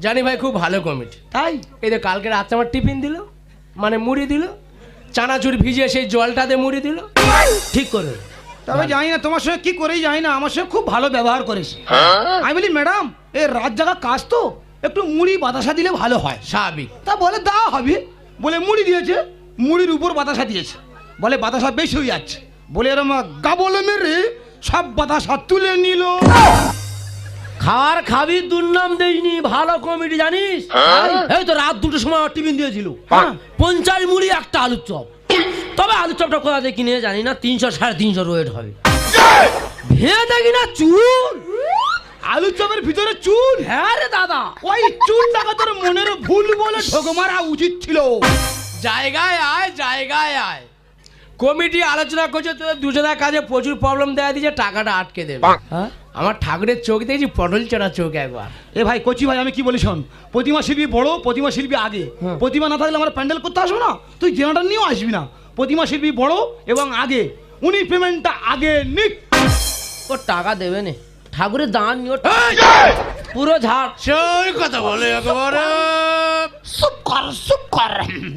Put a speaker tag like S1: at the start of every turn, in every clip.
S1: জানি ভাই খুব ভালো কমিটি।
S2: তাই
S1: এই তো কালকে রাতে আমার টিফিন দিল, মানে মুড়ি দিল, চানাচুর ভিজিয়ে সেই জলটাতে মুড়ি দিল, ঠিক করে।
S2: তবে জানি না তোমার সঙ্গে কি করেই জানি না, আমার সঙ্গে খুব ভালো ব্যবহার করেছে। আমি বলি ম্যাডাম এই রাত জাগা কাজ তো, একটু মুড়ি বাতাসা দিলে ভালো হয়।
S1: স্বাভাবিক।
S2: তা বলে দেওয়া হবে, বলে মুড়ি দিয়েছে, মুড়ির উপর বাতাসা দিয়েছে, বলে বাতাসা বেশি হয়ে যাচ্ছে, বলে এরম গাবলে মেরে সব বাতাসা তুলে নিল।
S3: খাওয়ার খাবি দুর্নাম দেয়নি, ভালো কমিটি জানিস। এই তো রাত 2টোর সময় টিফিন দিয়েছিল, 50 মুড়ি একটা আলুর চপ। তবে আলুর চপটা কোথা থেকে কিনে জানি না, 300 350 ওয়েট হবে। ভেঙে দেখি না চুল,
S2: আলুর চপের ভিতরে চুল।
S3: হ্যাঁ রে দাদা,
S2: ওই চুলটাকে তোর মনের ভুল বলে ঢোক মারা উচিত ছিল।
S1: জায়গায় আয়, জায়গায় আয়। কমিটি আলোচনা করছে তোদের দুজনের কাজে প্রচুর প্রবলেম দেখা দিয়েছে, টাকাটা আটকে দেবে। আমার ঠাকুরের চোখ দেখেছি, পটল চড়া চোখ একবার।
S2: এ ভাই কচি ভাই, আমি কি বলি শোন, প্রতিমা শিল্পী বড়, প্রতিমা শিল্পী আগে। প্রতিমা না থাকলে আমার প্যান্ডেল করতে আসবো না, তুই জেনারেটর নিয়েও আসবি না। প্রতিমা শিল্পী বড় এবং আগে, উনি পেমেন্টটা আগে নিক।
S3: ও টাকা দেবে না, ঠাকুরের দান নিয়ে পুরো ঝাড়।
S1: সেই কথা বলে একেবারে
S2: চুপ কর, চুপ কর।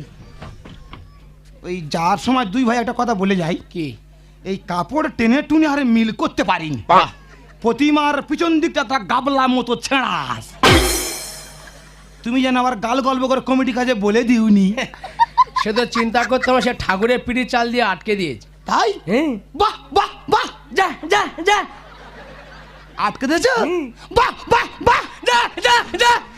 S2: ওই যার সময় দুই ভাই একটা কথা বলে যাই,
S1: কি
S2: এই কাপড় টেনে টুনে আরে মিল করতে পারিনি। প্রতিমার পিছন দিকটা তা গাবলা মতো ছেঁড়াস। তুমি যেন আবার গাল গল্প করে কমিটি কাজে বলে দিওনি।
S1: সে তো চিন্তা করতে হবে, সে ঠাকুরের পিঠি চাল দিয়ে আটকে দিয়েছে।
S2: তাই?
S1: হ্যাঁ,
S2: বাহ বাহ বাহ,
S1: যা যা যা,
S2: আটকে দিয়েছ? বাহ বাহ বাহ,
S1: যা যা যা।